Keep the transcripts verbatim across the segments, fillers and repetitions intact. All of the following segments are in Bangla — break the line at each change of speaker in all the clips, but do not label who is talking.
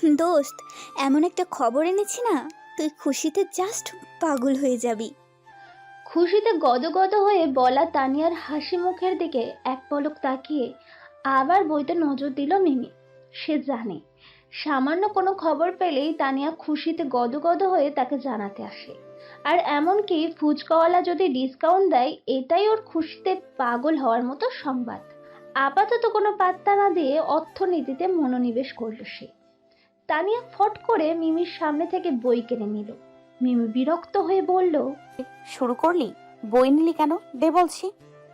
দোস্ত, এমন একটা খবর এনেছি না, তুই খুশিতে জাস্ট পাগল হয়ে যাবি।
খুশিতে গদগদ হয়ে বলা তানিয়ার হাসি মুখের দিকে এক পলক তাকিয়ে আবার বইতে নজর দিল মিমি। সে জানে সামান্য কোনো খবর পেলেই তানিয়া খুশিতে গদগদ হয়ে তাকে জানাতে আসে। আর এমনকি ফুচকাওয়ালা যদি ডিসকাউন্ট দেয়, এটাই ওর খুশিতে পাগল হওয়ার মতো সংবাদ। আপাতত কোনো পাত্তা না দিয়ে অর্থনীতিতে মনোনিবেশ করল সে। তানিয়া ফট করে মিমির সামনে থেকে বই কিনে নিল। মিমি বিরক্ত হয়ে বলল,
শুরু করলি? বই নিলি কেন? দে বলছি।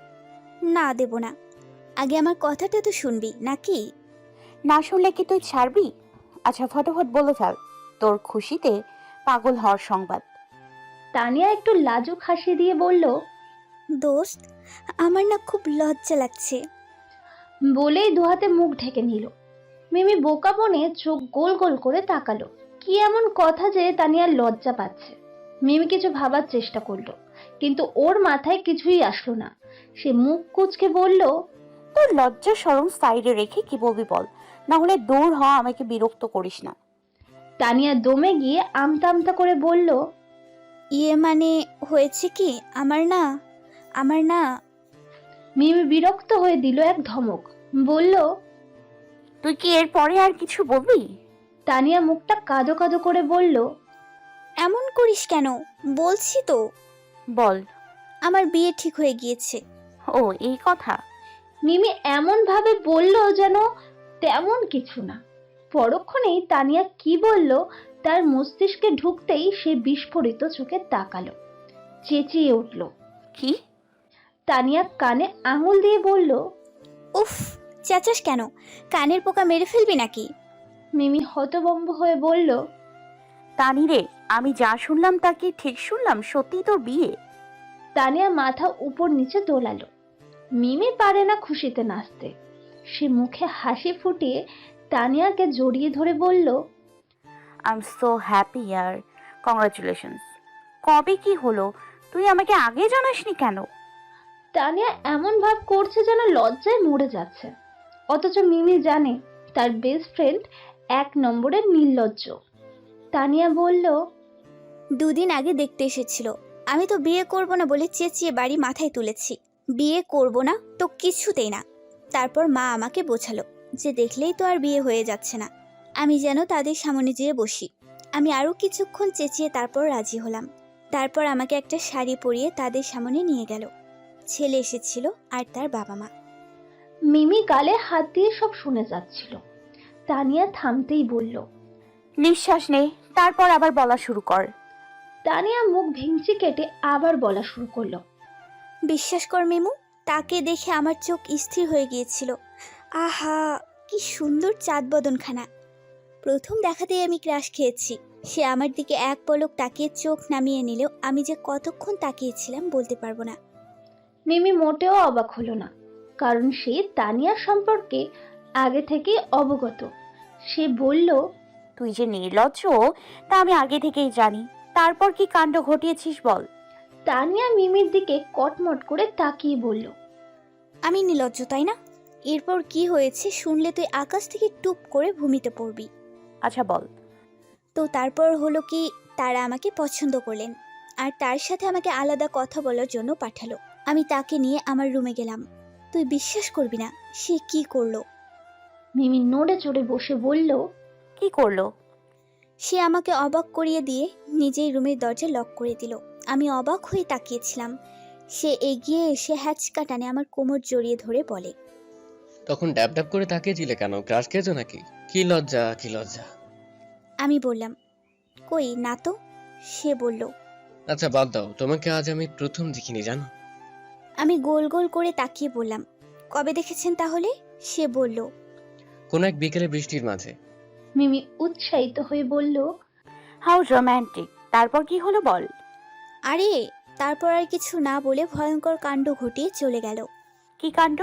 না, দেব না। আগে আমার কথাটা তো শুনবি নাকি?
না শুনলে কি তুই ছাড়বি? আচ্ছা, ফটাফট বলে ফেল তোর খুশিতে পাগল হওয়ার সংবাদ।
তানিয়া একটু লাজুক হাসি দিয়ে বলল,
দোস্ত, আমার না খুব লজ্জা লাগছে।
বলেই দুহাতে মুখ ঢেকে নিল। মিমি বোকা বনে চোখ গোল গোল করে তাকালো। কি এমন কথা যে তানিয়ার লজ্জা পাচ্ছে? মিমি কিছু ভাবার চেষ্টা করলো, কিন্তু ওর মাথায় কিছুই আসলো না। সে মুখ কুঁচকে বলল,
তোর লজ্জা শরম সাইডে রেখে কি বলবি বল, না হলে দূর হ, আমাকে বিরক্ত করিস না।
তানিয়া দমে গিয়ে আমতা আমতা করে বলল,
ইয়ে মানে হয়েছে কি, আমার না আমার না
মিমি বিরক্ত হয়ে দিল এক ধমক। বলল,
তুই কি এর পরে আর কিছু বলবি?
তানিয়া মুখটা কাদো কাদো করে বলল,
এমন করিস কেন? বলছি তো,
বল।
আমার বিয়ে ঠিক হয়ে গিয়েছে।
ও, এই কথা?
মিমি এমন ভাবে বলল যেন তেমন কিছু না। পরক্ষণেই তানিয়া কি বলল তার মস্তিষ্কে ঢুকতেই সে বিস্ফোরিত চোখে তাকালো, চেঁচিয়ে উঠল।
কি?
তানিয়া কানে আঙুল দিয়ে বলল,
উফ, চেঁচাস কেন? কানের পোকা মেরে ফেলবি নাকি?
মিমি হতভম্ব হয়ে বলল,
তানি রে, আমি যা শুনলাম তা কি ঠিক শুনলাম? সত্যি তোর বিয়ে?
তানিয়া মাথা উপর নিচে দোলালো। মিমি পারে না খুশিতে নাচতে। সে মুখে হাসি ফুটিয়ে তানিয়াকে জড়িয়ে ধরে বলল,
আই এম সো হ্যাপি ইয়ার, কংগ্রাচুলেশনস। কবে কি হলো? তুই আমাকে আগে জানাসনি কেন?
তানিয়া এমন ভাব করছে যেন লজ্জায় মরে যাচ্ছে, অথচ মিমি জানে তার বেস্ট ফ্রেন্ড এক নম্বরের নির্লজ্জ। তানিয়া বলল,
দুদিন আগে দেখতে এসেছিল। আমি তো বিয়ে করব না বলে চেঁচিয়ে বাড়ি মাথায় তুলেছি। বিয়ে করব না তো কিছুতেই না। তারপর মা আমাকে বোঝালো যে দেখলেই তো আর বিয়ে হয়ে যাচ্ছে না। আমি যেন তাদের সামনে যেয়ে বসি। আমি আরও কিছুক্ষণ চেঁচিয়ে তারপর রাজি হলাম। তারপর আমাকে একটা শাড়ি পরিয়ে তাদের সামনে নিয়ে গেল। ছেলে এসেছিল আর তার বাবা মা।
মিমি গালে হাত দিয়ে সব শুনে যাচ্ছিল। তানিয়া থামতেই বলল,
নিঃশ্বাস নে, তারপর আবার বলা শুরু কর।
তানিয়া মুখ ভেঙচি কেটে আবার বলা শুরু করলো,
বিশ্বাস কর মিমু, তাকে দেখে আমার চোখ স্থির হয়ে গিয়েছিল। আহা, কি সুন্দর চাঁদ বদনখানা। প্রথম দেখাতেই আমি ক্রাশ খেয়েছি। সে আমার দিকে এক পলক তাকিয়ে চোখ নামিয়ে নিলেও আমি যে কতক্ষণ তাকিয়েছিলাম বলতে পারবো না।
মিমি মোটেও অবাক হলো না, কারণ সে তানিয়ার সম্পর্কে আগে থেকেই অবগত। সে বলল,
তুই যে নির্লজ্জ তা আমি আগে থেকেই জানি। তারপর কি কাণ্ড ঘটিয়েছিস বল।
তানিয়া মিমির দিকে কটমট করে তাকিয়ে বলল,
আমি নির্লজ্জ তাই না? এরপর কি হয়েছে শুনলে তুই আকাশ থেকে টুপ করে ভূমিতে পড়বি।
আচ্ছা বল।
তো তারপর হলো কি, তারা আমাকে পছন্দ করলেন আর তার সাথে আমাকে আলাদা কথা বলার জন্য পাঠালো। আমি তাকে নিয়ে আমার রুমে গেলাম। তুই বিশ্বাস করবি না সে কি করলো।
মিমি নড়ে চড়ে বসে বলল,
কি করলো?
সে আমাকে অবাক করিয়ে দিয়ে নিজেই রুমের দরজা লক করে দিল। আমি অবাক হয়ে তাকিয়েছিলাম। সে এগিয়ে এসে হ্যাচকা টানে আমার কোমর জড়িয়ে ধরে বলে,
তখন ড্যাব ড্যাব করে তাকিয়েছিলে কেন? ক্রাশ খেয়েছো নাকি? কি লজ্জা, কি লজ্জা।
আমি বললাম, কই না তো। সে বলল,
আচ্ছা বাদ দাও, তোমাকে আজ আমি প্রথম দেখিনি জানো।
আমি গোল গোল করে তাকিয়ে বললাম, কবে দেখেছেন তাহলে? সে বলল,
কোন এক বিকেলে বৃষ্টির মাঝে।
মিমি উৎসাহিত হয়ে বলল,
হাউ রোম্যান্টিক। তারপর কি হলো বল।
আরে তারপর আর কিছু না বলে ভয়ঙ্কর কাণ্ড ঘটিয়ে চলে গেল।
কি কাণ্ড?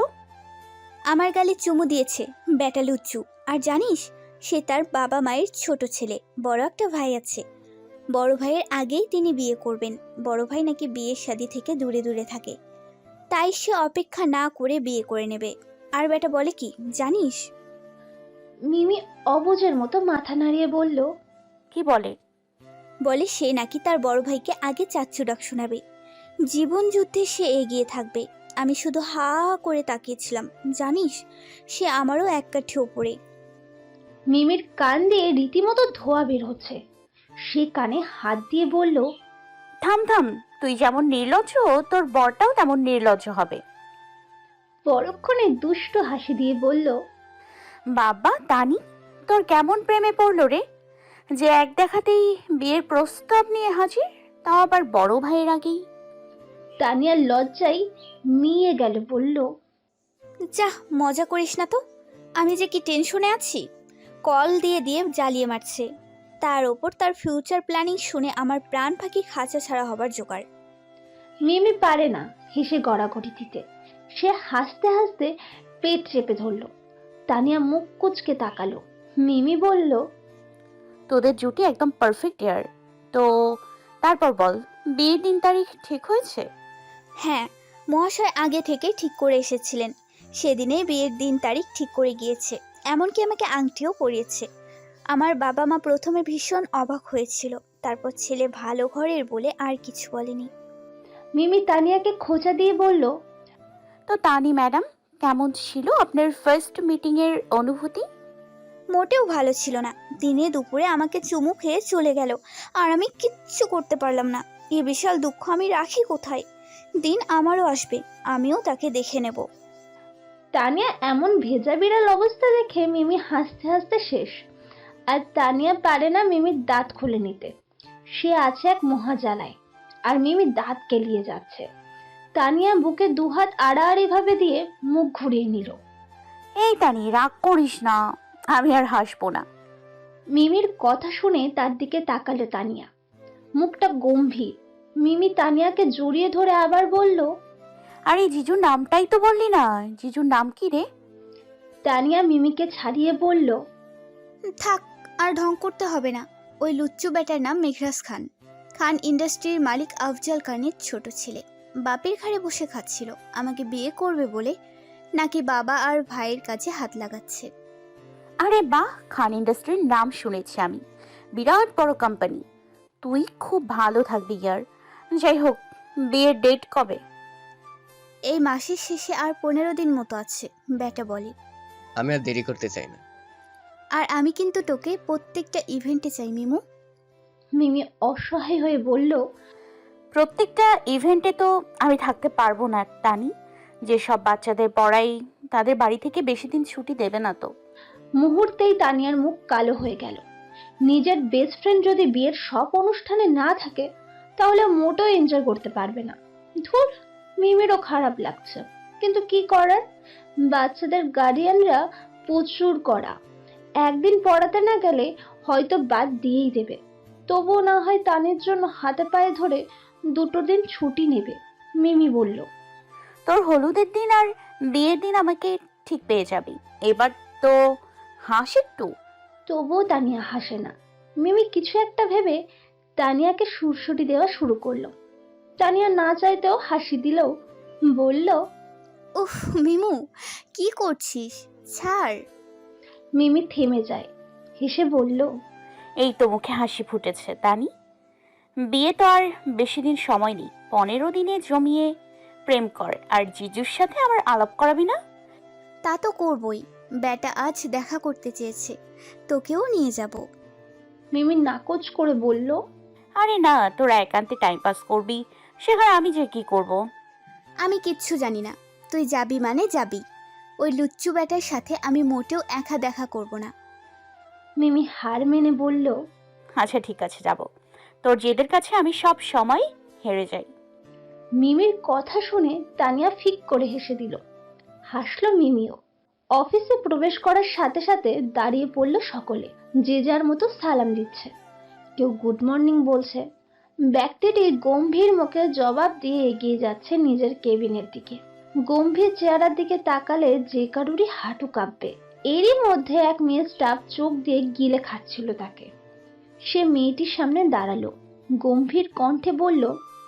আমার গালে চুমু দিয়েছে, ব্যাটা লুচ্চু। আর জানিস, সে তার বাবা মায়ের ছোট ছেলে। বড় একটা ভাই আছে। বড় ভাইয়ের আগেই তিনি বিয়ে করবেন। বড় ভাই নাকি বিয়ের শাদী থেকে দূরে দূরে থাকে, তাই সে অপেক্ষা না করে বিয়ে করে নেবে। আর ব্যাটা বলে কি জানিস?
মিমি অবুঝের মতো মাথা নাড়িয়ে বলল,
কি বলে?
বলে সে নাকি তার বড় ভাইকে আগে চাচ্চু ডাক শোনাবে, জীবন যুদ্ধে সে এগিয়ে থাকবে। আমি শুধু হা করে তাকিয়েছিলাম। জানিস, সে আমারও এক কাঠি ওপরে।
মিমির কান দিয়ে রীতিমতো ধোঁয়া বের হচ্ছে। সে কানে হাত দিয়ে বলল,
থাম থাম, তুই যেমন নির্লজ্জ তোর বরটাও তেমন নির্লজ্জ হবে।
পরক্ষণে দুষ্ট হাসি দিয়ে বলল,
বাবা তানি, তোর কেমন প্রেমে পড়লো রে, যে এক দেখাতেই বিয়ের প্রস্তাব নিয়ে হাজির, তাও আবার বড় ভাইয়ের আগেই।
তানিয়ার লজ্জায় মিয়ে গেল, বলল,
যা, মজা করিস না তো। আমি যে কি টেনশনে আছি। কল দিয়ে দিয়ে জ্বালিয়ে মারছে। তার ওপর তার ফিউচার প্ল্যানিং শুনে আমার প্রাণ পাখি খাঁচা ছাড়া হবার জোগাড়।
মিমি পারে না হেসে গড়াগড়ি দিতে। সে হাসতে হাসতে পেট চেপে ধরল। তানিয়া মুখ কুচকে তাকালো। মিমি বলল,
তোদের জুটি একদম পারফেক্ট ইয়ার। তো তারপর বল, বিয়ের দিন তারিখ ঠিক হয়েছে?
হ্যাঁ, মহাশয় আগে থেকেই ঠিক করে এসেছিলেন। সেদিনেই বিয়ের দিন তারিখ ঠিক করে গিয়েছে। এমনকি আমাকে আংটিও পরিয়েছে। আমার বাবা মা প্রথমে ভীষণ অবাক হয়েছিল, তারপর ছেলে ভালো ঘরের বলে আর কিছু বলেনি।
মিমি তানিয়াকে খোঁচা দিয়ে বলল,
তো তানি ম্যাডাম, কেমন ছিল আপনার ফার্স্ট মিটিং এর অনুভূতি?
মোটেও ভালো ছিল না। দিনে দুপুরে আমাকে চুমু খেয়ে চলে গেল, আর আমি কিচ্ছু করতে পারলাম না। এ বিশাল দুঃখ আমি রাখি কোথায়? দিন আমারও আসবে, আমিও তাকে দেখে নেব।
তানিয়া এমন ভেজা বিড়াল অবস্থা দেখে মিমি হাসতে হাসতে শেষ। আর তানিয়া পারে না মিমির দাঁত খুলে নিতে। সে আছে এক মহাজালায়, আর মিমি দাঁত কেলিয়ে যাচ্ছে। তানিয়া বুকে দুহাত আড়াআড়ি ভাবে দিয়ে মুখ ঘুরিয়ে নিল।
এই তানি, রাগ করিস না, আমি আর হাসবো না।
মিমির কথা শুনে তার দিকে তাকালো তানিয়া। মুখটা গম্ভীর। মিমি তানিয়াকে জড়িয়ে ধরে আবার বলল,
আরে জিজুর নামটাই তো বললি না, জিজুর নাম কি রে?
তানিয়া মিমিকে ছাড়িয়ে বলল,
থাক, আর ঢং করতে হবে না। ওই লুচ্চু বেটার নাম মেঘরাজ খান। খান ইন্ডাস্ট্রির মালিক আফজাল খানের ছোট ছেলে। বাপের ঘাড়ে বসে খাচ্ছিল আমাকে বিয়ে করবে বলে, নাকি বাবা আর ভাইয়ের কাছে হাত লাগাচ্ছে।
আরে বাহ, খান ইন্ডাস্ট্রির নাম শুনেছি আমি, বিরাট বড় কোম্পানি। তুই খুব ভালো থাকবি ইয়ার। যাই হোক, বিয়ের ডেট কবে?
এই মাসের শেষে আর পনেরো দিন মতো আছে, বেটা বলে।
আমি আর দেরি করতে চাই না।
আর আমি কিন্তু তোকে প্রত্যেকটা ইভেন্টে চাই মিমু।
মিমি অসহায় হয়ে বলল,
প্রত্যেকটা ইভেন্টে তো আমি থাকতে পারবো না তানি। যেসব বাচ্চাদের পড়াই, তাদের বাড়ি থেকে বেশি দিন ছুটি দেবে না তো।
মুহূর্তেই তানিয়ার মুখ কালো হয়ে গেল। নিজের বেস্ট ফ্রেন্ড যদি বিয়ের সব অনুষ্ঠানে না থাকে, তাহলে মোটেও এনজয় করতে পারবে না। ধুর, মিমিরও খারাপ লাগছে, কিন্তু কি করার? বাচ্চাদের গার্ডিয়ানরা প্রচুর কড়া। একদিন পড়াতে না গেলে হয়তো বাদ দিয়েই দেবে। তবুও না হয় তানির জন্য হাতে পায়ে ধরে দুটো দিন ছুটি নেবে। মিমি বলল,
তোর হলুদের দিন আর বিয়ের দিন আমাকে ঠিক পেয়ে যাবি। এবার তো হাস একটু।
তবুও তানিয়া হাসে না। মিমি কিছু একটা ভেবে তানিয়াকে সুরসুটি দেওয়া শুরু করলো। তানিয়া না চাইতেও হাসি দিলেও বলল,
উফ মিমু, কি করছিস? ছাড়।
মিমি থেমে যায়, হেসে বলল,
এই তো মুখে হাসি ফুটেছে তানি। বিয়ে তো আর বেশি দিন সময় নেই, পনেরো দিনে জমিয়ে প্রেম কর, আর জিজুর সাথে আমার আলাপ করাবি না?
তা তো করবই। বেটা আজ দেখা করতে চেয়েছে, তোকেও নিয়ে যাব।
মিমি নাকচ করে বলল,
আরে না, তোরা একান্তে টাইম পাস করবি, সেখানে আমি যে কি করব?
আমি কিচ্ছু জানি না। তুই যাবি মানে যাবি। ওই লুচ্চু বেটার সাথে আমি মোটেও একা দেখা করব না।
মিমি হার মেনে বলল,
আচ্ছা ঠিক আছে, যাব। তোর জেদের কাছে আমি সব সময় হেরে যাই।
মিমির কথা শুনে তানিয়া ফিক করে হেসে দিল। হাসলো মিমিও। অফিসে প্রবেশ করার সাথে সাথে দাঁড়িয়ে পড়ল সকলে। যে যার মতো সালাম দিচ্ছে, কেউ গুড মর্নিং বলছে। ব্যক্তিটি গম্ভীর মুখে জবাব দিয়ে এগিয়ে যাচ্ছে নিজের কেবিনের দিকে। গম্ভীর চেহারার দিকে তাকালে যে কারুরই হাঁটু কাঁপবে। এরই মধ্যে এক মেয়ে স্টাফ চোখ দিয়ে গিলে খাচ্ছিল তাকে। সে মেয়েটির সামনে দাঁড়ালো, গম্ভীর কণ্ঠে বলল,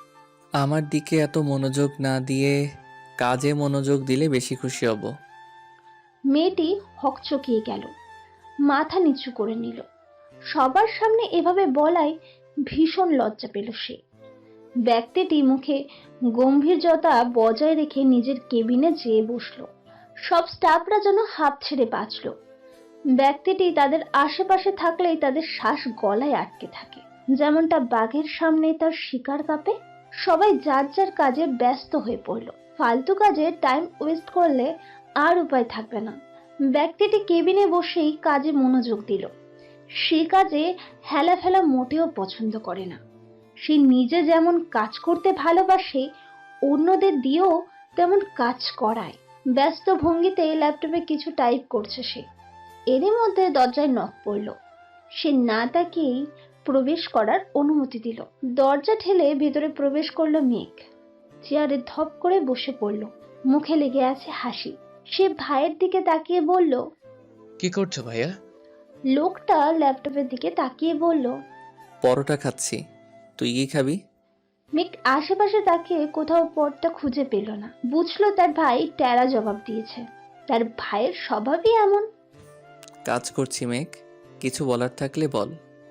আমার দিকে এত মনোযোগ না দিয়ে কাজে মনোযোগ দিলে বেশি খুশি হব।
মেয়েটি হকচকিয়ে গেল। মাথা নিচু করে নিল। সবার সামনে এভাবে বলায় ভীষণ লজ্জা পেল সে। ব্যক্তিটি মুখে গম্ভীর্যতা বজায় রেখে নিজের কেবিনে যেয়ে বসলো। সব স্টাফরা যেন হাঁপ ছেড়ে বাঁচল। ব্যক্তিটি তাদের আশেপাশে থাকলেই তাদের শ্বাস গলায় আটকে থাকে, যেমনটা বাঘের সামনে তার শিকার কাঁপে। সবাই যার যার কাজে ব্যস্ত হয়ে পড়ল। ফালতু কাজে টাইম ওয়েস্ট করলে আর উপায় থাকবে না। ব্যক্তিটি কেবিনে বসেই কাজে মনোযোগ দিল। সে কাজে হেলা ফেলা মোটেও পছন্দ করে না। সে নিজে যেমন কাজ করতে ভালোবাসে, অন্যদের দিয়েও তেমন কাজ করায়। ব্যস্ত ভঙ্গিতে ল্যাপটপে কিছু টাইপ করছে সে। এরই মধ্যে দরজায় নক পড়ল। সে না তাকিয়েই প্রবেশ করার অনুমতি দিল। দরজা ঠেলে ভেতরে প্রবেশ করলো মেঘ। চেয়ারে ধপ করে বসে পড়ল। মুখে লেগে আছে হাসি। সে ভাইয়ের দিকে তাকিয়ে বলল,
কি করছো ভাইয়া?
লোকটা ল্যাপটপের দিকে তাকিয়ে বলল,
পরোটা খাচ্ছি, তুই কি খাবি?
মেঘ আশেপাশে তাকিয়ে কোথাও পথটা খুঁজে পেল না। বুঝলো তার ভাই টেরা জবাব দিয়েছে। তার ভাইয়ের স্বভাবই এমন।
কাজ করছি মেঘ, কিছু বলার থাকলে বল।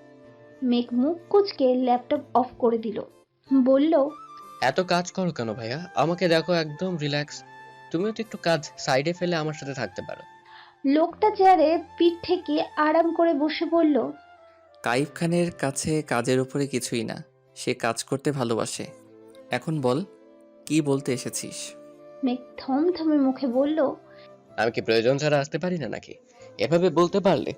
মেঘ মুখ কুঁচকে ল্যাপটপ অফ করে দিল। বলল,
এত কাজ করো কেন ভাইয়া? আমাকে দেখো একদম রিল্যাক্স। তুমিও তো একটু কাজ সাইডে ফেলে আমার সাথে থাকতে পারো।
লোকটা চেয়ারে পিঠ ঠেকিয়ে আরাম করে বসে বলল,
কাইফ খানের কাছে কাজের উপরে কিছুই না, সে কাজ করতে ভালোবাসে। এখন বল, কি বলতে এসেছিস?
মেঘ থমথমে মুখে বলল,
আমি কি প্রয়োজন ছাড়া আসতে পারি না নাকি? এভাবে বলতে পারলে।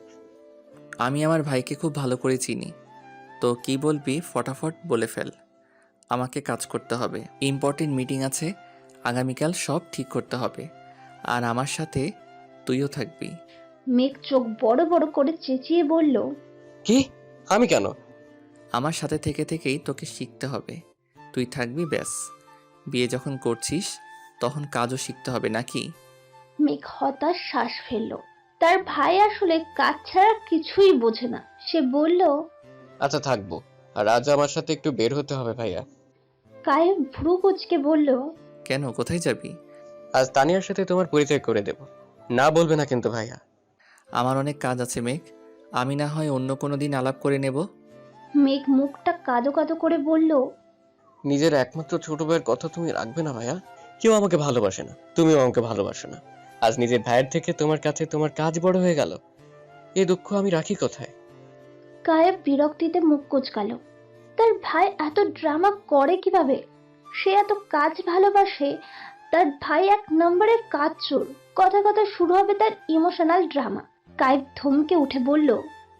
আমি আমার ভাইকে খুব ভালো করে চিনি, তো কি বলবি ফটাফট বলে ফেল। আমাকে কাজ করতে হবে, ইম্পর্টেন্ট মিটিং আছে আগামীকাল, সব ঠিক করতে হবে। আর আমার সাথে তুইও থাকবি।
মেঘ চোখ বড় বড় করে চেঁচিয়ে বলল,
কি? আমি কেন?
আমার সাথে থেকে থেকেই তোকে শিখতে হবে। তুই থাকবি ব্যাস। বিয়ে যখন করছিস তখন কাজও শিখতে হবে নাকি?
মেঘ হতাশ শ্বাস ফেলল। তার ভাই আসলে কাজ ছাড়া কিছুই বোঝে না। সে বলল,
আচ্ছা থাকবো। আর আজ আমার সাথে একটু বের হতে হবে ভাইয়া।
কায়েব ভ্রু কুঁচকে বলল,
কেন, কোথায় যাবি?
আজ তানিয়ার সাথে তোমার পরিচয় করে দেব। না বলবে না কিন্তু ভাইয়া।
আমার অনেক কাজ আছে মেঘ, আমি না হয় অন্য কোনো দিন আলাপ করে নেব।
মেঘ মুখটা কাদো কাদো করে বলল,
নিজের একমাত্র ছোট ভাইয়ের কথা তুমি রাখবে না ভাইয়া? কেউ আমাকে ভালোবাসে না, তুমিও আমাকে ভালোবাসো না। আজ নিজের ভাইয়ের থেকে তোমার কাছে তোমার কাজ বড় হয়ে গেল। এই দুঃখ আমি রাখি কোথায়?
কায়েব বিরক্তিতে মুখ কুঁচকালো। তার ভাই এত ড্রামা করে কিভাবে? সে এত কাজ ভালোবাসে, তার ভাই এক নম্বরের কাজ চোর। কথা কথা শুরু হবে তার ইমোশনাল ড্রামা। কায়েব থমকে উঠে বলল,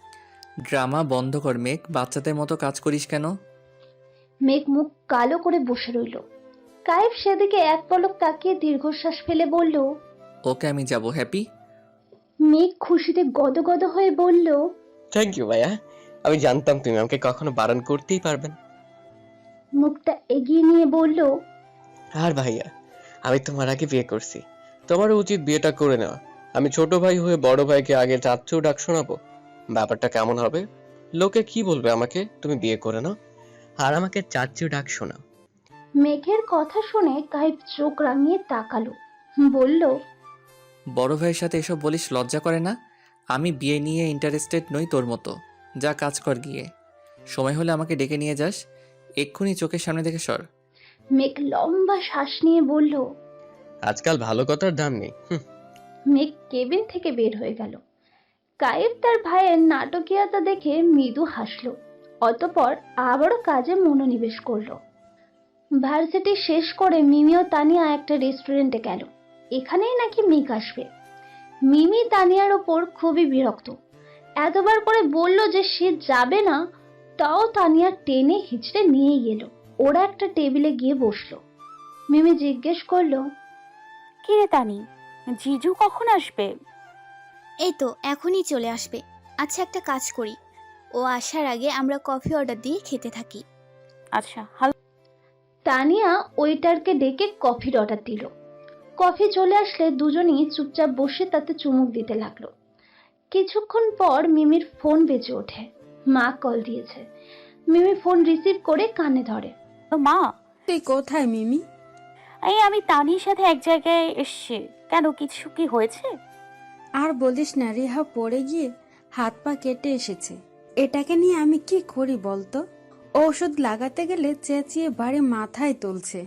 ড্রামা বন্ধ কর মেঘ, বাচ্চাদের মতো কাজ করিস কেন?
মেঘ মুখ কালো করে বসে রইল। কায়েব সেদিকে এক পলক তাকিয়ে দীর্ঘশ্বাস ফেলে বলল,
ওকে আমি যাব, হ্যাপি?
মেঘ খুশিতে গদগদ হয়ে বলল,
থ্যাংক ইউ ভাইয়া। আমি জানতাম তুমি আমাকে কখনো বারণ করতেই পারবে না।
মুখটা এগিয়ে নিয়ে বলল,
আর ভাইয়া, আমি তোমার আগে বিয়ে করছি, তোমারও উচিত বিয়েটা করে নেওয়া। আমি ছোট ভাই হয়ে বড় ভাইকে আগে চাচ্চু ডাক শোনাবো? ব্যাপারটা কেমন হবে? লোকে কি বলবে আমাকে তুমি বিয়ে করে নাও, আর আমাকে চাচ্চু ডাক শোনাও।
মেঘের কথা শুনে কায়েব চোখ রাঙিয়ে তাকালো। বলল,
বড় ভাইয়ের সাথে এসব বলিস, লজ্জা করে না? আমি বিয়ে নিয়ে ইন্টারেস্টেড নই তোর মতো। যা কাজ কর গিয়ে, সময় হলে আমাকে ডেকে নিয়ে যাস। এক্ষুনি চোখের সামনে থেকে সর।
মেঘ লম্বা শ্বাস নিয়ে বলল।
আজকাল ভালো কথার দাম নেই। হুম।
মেঘ কেবিন থেকে বের হয়ে গেল। কায়েব তার ভাইয়ের নাটকীয়তা দেখে মৃদু হাসলো। অতঃপর আবারও কাজে মনোনিবেশ করলো। ভার্সিটি শেষ করে মিমি ও তানিয়া একটা রেস্টুরেন্টে গেল। এখানেই নাকি মেঘ আসবে। মিমি তানিয়ার ওপর খুবই বিরক্ত। এতবার করে বলল যে সে যাবে না, তাও তানিয়া টেনে হিচড়ে নিয়ে গেল। ওরা একটা টেবিলে গিয়ে বসলো। মিমি জিজ্ঞেস করলো,
কি রে তানি, জিজু কখন আসবে?
এই তো এখনই চলে আসবে। আচ্ছা একটা কাজ করি, ও আসার আগে আমরা কফি অর্ডার দিয়ে খেতে থাকি।
আচ্ছা হাল
তানিয়া ওয়েটারকে ডেকে কফির অর্ডার দিল। কফি চলে আসলে দুজনেই চুপচাপ বসে তাতে চুমুক দিতে লাগলো। কিছুক্ষণ পর মিমির ফোন বেজে ওঠে। মা কল দিয়েছে। মিমি ফোন রিসিভ করে কানে ধরে।
মা,
তুই কোথায় মিমি?
এই আমি তানির সাথে এক জায়গায় এসছি। কেন, কিছু কি হয়েছে?
আর বলিস না, রিহা পড়ে গিয়ে হাত পা কেটে এসেছে। এটাকে নিয়ে আমি কি করি বলতো? ঔষধ লাগাতে গেলে চেঁচিয়ে বাড়ি মাথায় তুলছে।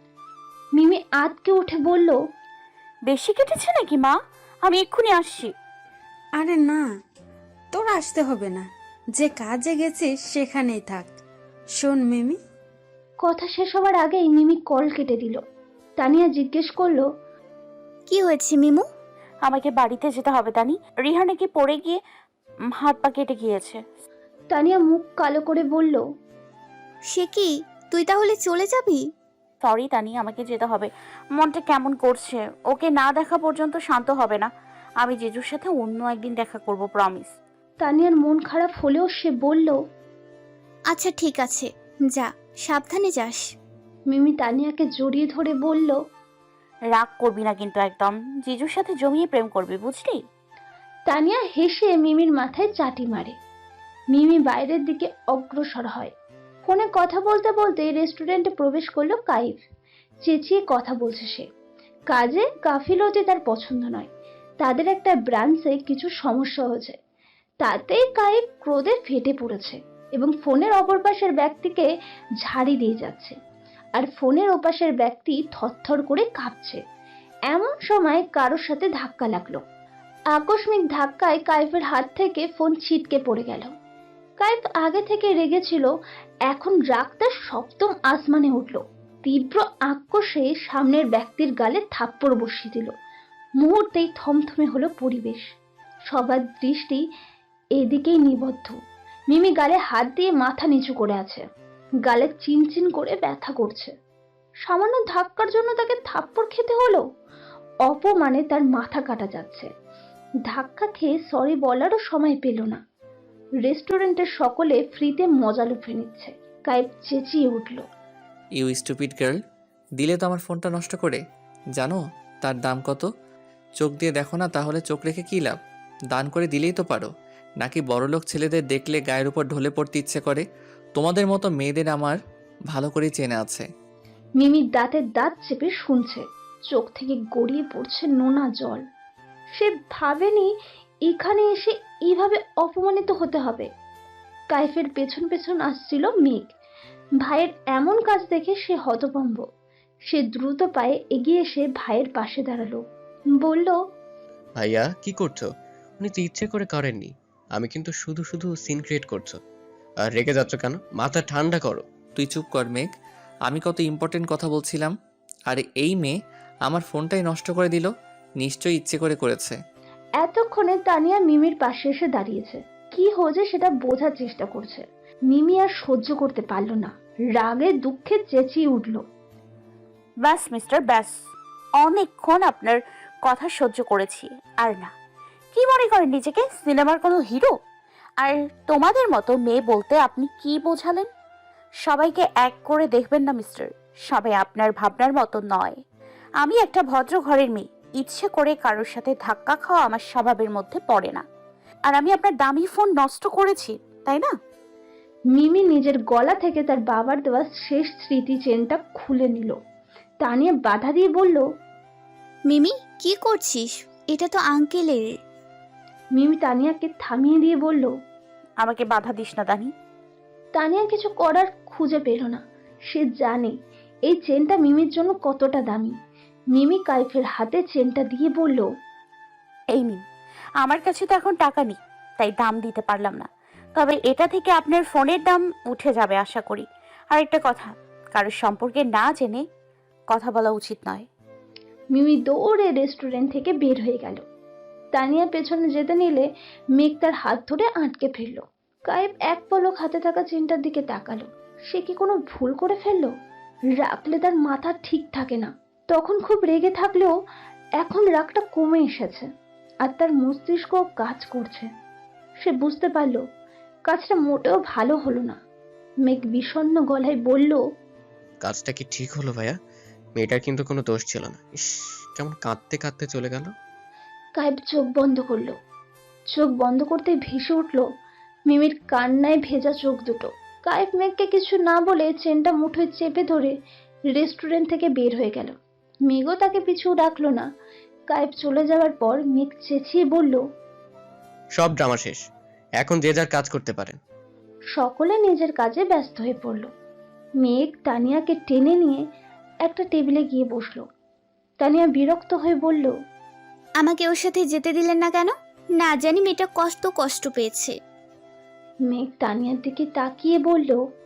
মিমি আতকে উঠে বলল,
বেশি কেটেছে নাকি মা? আমি এক্ষুনি আসছি।
আরে না, তোর আসতে হবে না, যে কাজে গেছিস সেখানেই থাক। শোন মিমি।
কথা শেষ হবার আগেই মিমি কল কেটে দিল। তানিয়া জিজ্ঞেস করলো,
কি হয়েছে মিমু?
আমাকে বাড়িতে যেতে হবে তানি। রিহা নাকি পড়ে গিয়ে উম, হাত পা কেটে গিয়েছে।
তানিয়া মুখ কালো করে বলল,
সে কি, তুই তাহলে চলে যাবি?
সরি তানি, আমাকে যেতে হবে। মনটা কেমন করছে, ওকে না দেখা পর্যন্ত শান্ত হবে না। আমি জিজুর সাথে অন্য একদিন দেখা করব, প্রমিস।
তানিয়ার মন খারাপ হলেও সে বলল,
আচ্ছা ঠিক আছে, যা, সাবধানে যাস।
মিমি তানিয়াকে জড়িয়ে ধরে বলল,
রাগ করবি না কিন্তু একদম। জিজুর সাথে জমিয়ে প্রেম করবি, বুঝলি?
তানিয়া হেসে মিমির মাথায় চাটি মারে। মিমি বাইরের দিকে অগ্রসর হয়। ফোনে কথা বলতে বলতে রেস্টুরেন্টে প্রবেশ করলো কাইফ। চেঁচিয়ে কথা বলছে সে। কাজে গাফিলতি তার পছন্দ নয়। তাদের একটা ব্রাঞ্চে কিছু সমস্যা হয়েছে, তাতেই কাইফ ক্রোধে ফেটে পড়েছে এবং ফোনের অপর পাশের ব্যক্তিকে ঝাড়ি দিয়ে যাচ্ছে। আর ফোনের ওপাশের ব্যক্তি থরথর করে কাঁপছে। এমন সময় কারোর সাথে ধাক্কা লাগলো। আকস্মিক ধাক্কায় কাইফের হাত থেকে ফোন ছিটকে পড়ে গেল। কাইফ আগে থেকে রেগেছিল, এখন রাগ তার সপ্তম আসমানে উঠল। তীব্র আক্রোশে সামনের ব্যক্তির গালে থাপ্পড় বসিয়ে দিল। মুহূর্তেই থমথমে হলো পরিবেশ। সবার দৃষ্টি এদিকেই নিবদ্ধ। মিমি গালে হাত দিয়ে মাথা নিচু করে আছে। গালে চিনচিন করে ব্যথা করছে। সামান্য ধাক্কার জন্য তাকে থাপ্পড় খেতে হলো। অপমানে তার মাথা কাটা যাচ্ছে। ধাক্কা খেয়ে সরি বলারও সময় পেল না। রেস্টুরেন্টের সকলে ফ্রিতে মজা লুফে নিচ্ছে। কাইফ চেঁচিয়ে উঠল,
ইউ স্টুপিড গার্ল, দিলে তো আমার ফোনটা নষ্ট করে। জানো তার দাম কত? চোখ দিয়ে দেখো না, তাহলে চোখ রেখে কী লাভ? দান করে দিলেই তো পারো। নাকি বড়লোক ছেলেদের দেখলে গায়ের উপর ঢলে পড়তে ইচ্ছে করে? তোমাদের মতো মেয়েদের আমার ভালো করে চেনা আছে।
মিমি দাঁতের দাঁত চেপে শুনছে। চোখ থেকে গড়িয়ে পড়ছে নোনা জল। সে ভাবেনি এখানে এসে এইভাবে অপমানিত হতে হবে। কাইফের পেছন পেছন আসছিল মেঘ। ভাইয়ের এমন কাজ দেখে সে হতভম্ব। সে দ্রুত পায়ে এগিয়ে এসে ভাইয়ের পাশে দাঁড়ালো। বলল,
ভাইয়া কি করছো? উনি তো ইচ্ছে করে করেননি। আমি কিন্তু শুধু শুধু সিন ক্রিয়েট করছো। আর রেগে যাচ্ছ কেন? মাথা ঠান্ডা করো।
তুই চুপ কর মেঘ, আমি কত ইম্পর্টেন্ট কথা বলছিলাম। আর এই মেয়ে আমার ফোনটাই নষ্ট করে দিল। নিশ্চয়ই ইচ্ছে করে করেছে।
এতক্ষণে তানিয়া মিমির পাশে এসে দাঁড়িয়েছে। কি হয়েছে সেটা বোঝার চেষ্টা করছে। মিমি আর সহ্য করতে পারল না। রাগে দুঃখে চেঁচিয়ে উঠল,
ব্যাস মিস্টার, ব্যাস। অনেকক্ষণ আপনার কথা সহ্য করেছি, আর না। কি মনে করেন নিজেকে সিনেমার কোনো হিরো? আর তোমাদের মতো মেয়ে বলতে আপনি কি বোঝালেন? সবাইকে এক করে দেখবেন না মিস্টার। সবাই আপনার ভাবনার মতো নয়। আমি একটা ভদ্র ঘরের মেয়ে। ইচ্ছে করে কারোর সাথে ধাক্কা খাওয়া আমার স্বভাবের মধ্যে পড়ে না। আর আমি আপনার দামি ফোন নষ্ট করেছি, তাই না?
মিমি নিজের গলা থেকে তার বাবার দেওয়া শেষ স্মৃতি চেনটা খুলে নিল। তানিয়া বাধা দিয়ে বলল,
মিমি কি করছিস? এটা তো আঙ্কেলের।
মিমি তানিয়াকে থামিয়ে দিয়ে বলল,
আমাকে বাধা দিস না দানি।
তানিয়া কিছু করার খুঁজে পেল না। সে জানে এই চেনটা মিমির জন্য কতটা দামি। মিমি কাইফের হাতে চেনটা দিয়ে বলল,
এই নিন। আমার কাছে তো এখন টাকা নেই, তাই দাম দিতে পারলাম না। তবে এটা থেকে আপনার ফোনের দাম উঠে যাবে আশা করি। আর একটা কথা, কারোর সম্পর্কে না জেনে কথা বলা উচিত নয়।
মিমি দৌড়ে রেস্টুরেন্ট থেকে বের হয়ে গেল। তানিয়া পেছনে যেতে নিলে মেঘ তার হাত ধরে আটকে ফেলল। কাইফ এক পলক হাতে থাকা চেনটার দিকে তাকালো। সে কি কোনো ভুল করে ফেললো? রাখলে তার মাথা ঠিক থাকে না। তখন খুব রেগে থাকলেও এখন রাগটা কমে এসেছে আর তার মস্তিষ্ক কাজ করছে। সে বুঝতে পারলো কাজটা মোটেও ভালো হলো না। মেঘ বিষণ্ণ গলায় বলল,
কাজটা কি ঠিক হলো ভাইয়া? মেয়েটার কিন্তু কোনো দোষ ছিল না। ইস, কেমন কাঁদতে কাঁদতে চলে গেল।
কাইফ চোখ বন্ধ করলো। চোখ বন্ধ করতে ভেসে উঠল মিমির কান্নায় ভেজা চোখ দুটো। কাইফ মেঘকে কিছু না বলে চেনটা মুঠোয় চেপে ধরে রেস্টুরেন্ট থেকে বের হয়ে গেল। মেঘও তাকে পিছু ডাকলো না। কাইফ চলে যাওয়ার পর মেঘ চেঁচিয়ে বলল,
সব ড্রামা শেষ, এখন যে যার কাজ করতে পারেন।
সকলে নিজের কাজে ব্যস্ত হয়ে পড়ল। মেঘ তানিয়াকে টেনে নিয়ে একটা টেবিলে গিয়ে বসলো। তানিয়া বিরক্ত হয়ে বলল,
আমাকে ওর সাথে যেতে দিলেন না কেন? না জানি মেয়েটা কষ্ট কষ্ট পেয়েছে।
মেঘ তানিয়ার দিকে তাকিয়ে বলল,